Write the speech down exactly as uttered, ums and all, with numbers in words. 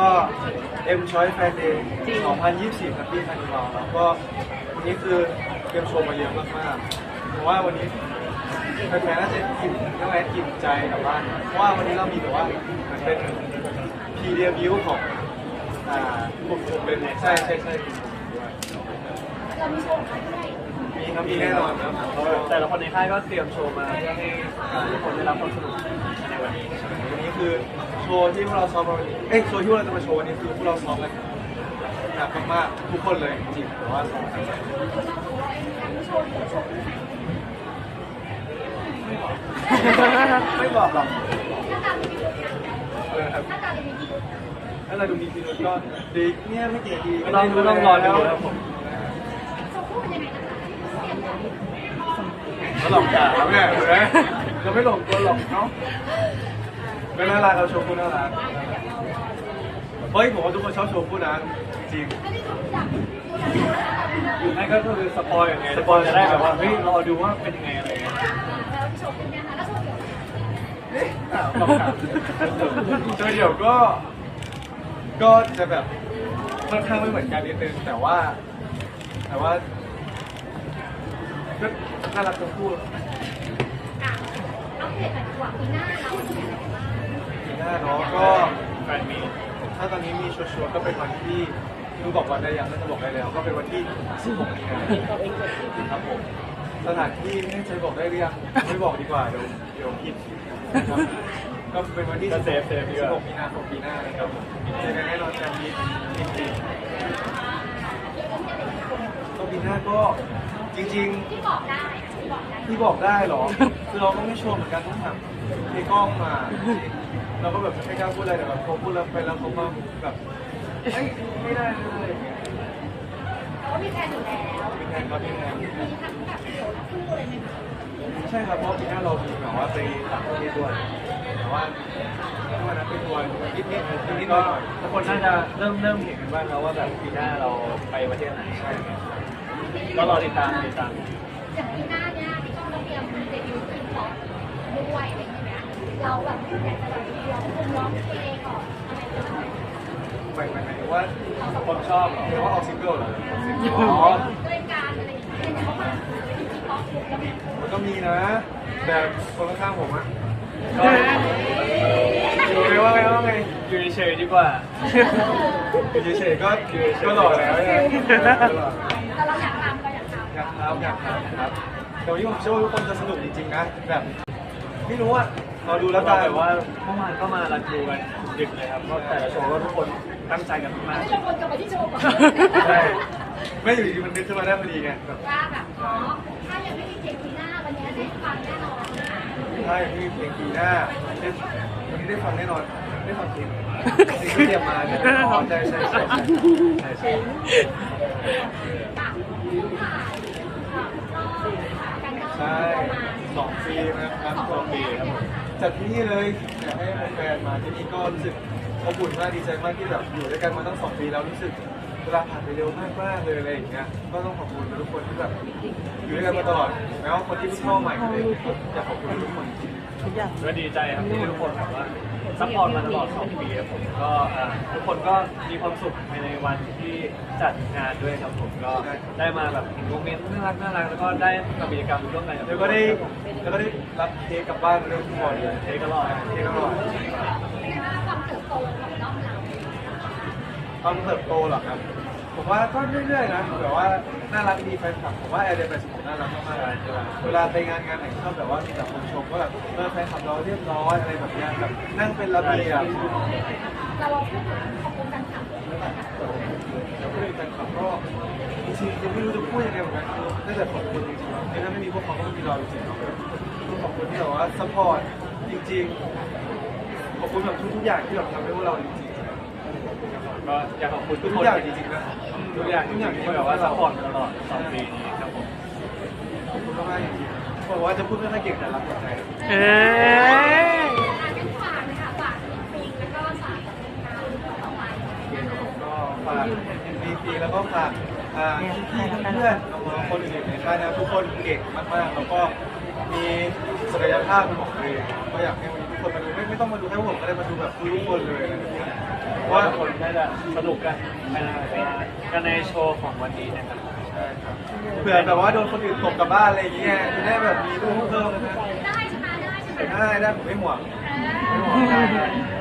M Choice Fan Day สองพันยี่สิบสี่ครับที่คานิวัลแล้วก็วันนี้คือเตรียมโชว์มาเยอะมากๆผมว่าวันนี้แฟนๆน่าจะอิ่มน่าจะอิ่มใจกับบ้านเพราะว่าวันนี้เรามีแบบว่าเหมือนเป็นพีเดียบิวของอ่ากลุ่มผมเป็นใช่ใช่ใช่มีครับมีแน่นอนครับแต่ละคนในค่ายก็เตรียมโชว์มาเพื่อให้ทุกคนได้รับความสนุกในวันนี้วันนี้คือโชว์ที่พวกเราซ้อมมาวันนี้เอ้ยโชว์ที่พวกเราจะมาโชว์วันนี้คือพวกเราซ้อมกันหนักมากๆทุกคนเลยจริงๆแต่ว่าซ้อมกันไม่บอกหรอกเออครับถ้าเราดูมีพิรุธก็ดีเนี่ยไม่เกี่ยวดีไม่ต้องไม่ต้องรอดูครับผมเราหลอกด่าแล้วเนี่ยเห็นไหมเราไม่หลงตัวหลอกเนาะไม่น่ารักเราโชว์คู่น่ารักเฮ้ยผมว่าทุกคนชอบโชว์คู่นะจริงนั่นก็คือสปอยอย่างไงสปอยจะได้แบบว่าเฮ้ยรอดูว่าเป็นยังไงอะไรเงี้ยโชว์เดี่ยวก็ก็จะแบบค่อนข้างไม่เหมือนกันนิดนึงแต่ว่าแต่ว่าก็น่ารักทั้งคู่อัปเดตหน่อยดีกว่าปีหน้าเราจะมีอะไรบ้างปีหน้าเนาะก็แฟนมีถ้าตอนนี้มีชัวร์ๆก็เป็นวันที่รู้บอกวันได้ยังน่าจะบอกได้แล้วก็เป็นวันที่สิบหกมีนาคมครับผมสถานที่ไม่แน่ใจบอกได้หรือยังไม่บอกดีกว่าเดี๋ยวเดี๋ยวผิดก็เป็นวันที่สิบหกมีนาคมปีหน้านะครับผมเจอกันแน่นอนกันนี้จริงๆก็ปีหน้าก็จริงๆที่บอกได้ที่บอกได้ที่บอกได้หรอคือเราก็ไม่ชัวร์เหมือนกันต้องถามในกล้องมาเราก็แบบไม่กล้าพูดอะไรแต่แบบพอพูดแล้วไปแล้วเขามาแบบเอ้ยไม่ได้อะไรอย่างเงี้ยแต่ว่ามีแผนอยู่แล้วมีแผนครับมีแผนมีทั้งแบบเดี่ยวและคู่เลยไหมคะใช่ครับเพราะปีหน้าเรามีแบบว่าไปต่างประเทศด้วยแต่ว่าถ้าวันนั้นไปทัวร์นิดนิดนิดนิดหน่อยทุกคนน่าจะเริ่มเริ่มเห็นกันบ้างแล้วว่าแบบปีหน้าเราไปประเทศไหนใช่ไหมก็รอติดตามติดตามอย่างปีหน้าเนี่ยที่ต้องเตรียมเดบิวต์ทีมพอปด้วยอะไรอย่างเงี้ยเราแบบอยากจะแบบร้องเพลงร้องเพลงก่อนอะไรแบบนี้หมายหมายถึงว่าคนชอบหรือว่าออกซิงเกิลเหรออ๋อรายการอะไรอย่างเงี้ยเขามาทีมพอปแล้วมันก็มีนะแต่คนข้างๆผมอะอยู่ไงว่าไงว่าไงอยู่เฉยดีกว่าอยู่เฉยก็ก็หล่อแล้วเนี่ยแต่เราอยากทำเราอยากทำอยากทำอยากทำครับแต่วันนี้ผมเชื่อว่าทุกคนจะสนุกจริงๆนะแบบไม่รู้อะเราดูแล้วกันแบบว่าเมื่อวานก็มารันดูกันดึกเลยครับเพราะแต่ละโชว์ก็ทุกคนตั้งใจกันมากทุกคนกลับมาที่โชว์ก่อนใช่ไม่อยู่ดีมันนึกขึ้นมาได้พอดีไงแบบว่าแบบอ๋อถ้ายังไม่มีเพลงปีหน้าวันนี้ได้ฟังแน่นอนใช่ไม่มีเพลงปีหน้าวันนี้ได้ฟังแน่นอนได้ฟังเพลงเพลงที่เตรียมมาใช่ไหมอ๋อใช่ใช่ใช่ใช่ใช่ใช่สองปีนะครับสองปีครับจัดที่นี่เลยอยากให้แฟนมาที่นี่ก็รู้สึกอบอุ่นมากดีใจมากที่แบบอยู่ด้วยกันมาตั้งสองปีแล้วรู้สึกเวลาผ่านไปเร็วมากมากเลยอะไรอย่างเงี้ยก็ต้องขอบคุณทุกคนที่แบบอยู่ด้วยกันมาตลอดแม้ว่าคนที่เพิ่งเข้าใหม่ก็เลยอยากขอบคุณทุกคนทุกอย่างก็ดีใจครับที่ทุกคนแบบว่าซัพพอร์ตมาตลอดสองปีครับผมก็ทุกคนก็มีความสุขในวันที่จัดงานด้วยครับผมก็ได้มาแบบโมเมนต์น่ารักน่ารักแล้วก็ได้ทำกิจกรรมร่วมกันแล้วก็ได้แล้วก็ได้รับเค้กกลับบ้านด้วยทุกคนเลยเค้กก็รอดเค้กก็รอดความเติบโตของน้องเราความเติบโตหรอครับผมว่าก็เรื่อยๆนะแบบว่าน่ารักดีแฟนคลับผมว่าแอร์เดย์แปดสิบหกน่ารักมากๆเลยเวลาไปงานงานไหนชอบแบบว่ามีแต่คนชมก็แบบเออแฟนคลับเราเรียบร้อยอะไรแบบนี้แบบนั่งเป็นระเบียบเราเราพูดขอบคุณแฟนคลับแล้วก็เป็นแฟนคลับก็จริงๆยังไม่รู้จะพูดยังไงเหมือนกันคือน่าจะขอบคุณจริงๆถ้าไม่มีพวกเขาก็ไม่มีเราจริงๆต้องขอบคุณที่แบบว่าซัพพอร์ตจริงๆขอบคุณแบบทุกๆอย่างที่แบบทำให้พวกเราจริงก็อยากขอบคุณทุกคนอย่างจริงๆนะทุกอย่างทุกอย่างที่แบบว่าซัพพอร์ตมาตลอดสองปีนี้ครับผมขอบคุณมากๆจริงๆบอกว่าจะพูดไม่ค่อยเก่งแต่รักหัวใจเอ๊ะฝากนะคะฝากปีแล้วก็ฝากต่อไปก็ฝากปีปีแล้วก็ฝากพี่ๆเพื่อนน้องๆคนอื่นๆในค่ายนะทุกคนเก่งมากๆแล้วก็มีศักยภาพเป็นของตัวเองก็อยากให้วันนี้ทุกคนมาดูไม่ไม่ต้องมาดูแค่ผมก็ได้มาดูแบบทุกคนเลยอะไรแบบนี้ว่าทุกคนน่าจะสนุกกันกันในโชว์ของวันนี้นะครับใช่ครับเผื่อแบบว่าโดนคนอื่นตกกลับบ้านอะไรอย่างเงี้ยจะได้แบบมีลูกเพิ่มนะได้ใช่ไหมได้ใช่ไหมได้ได้ผมไม่ห่วงเอไม่อห่วงได้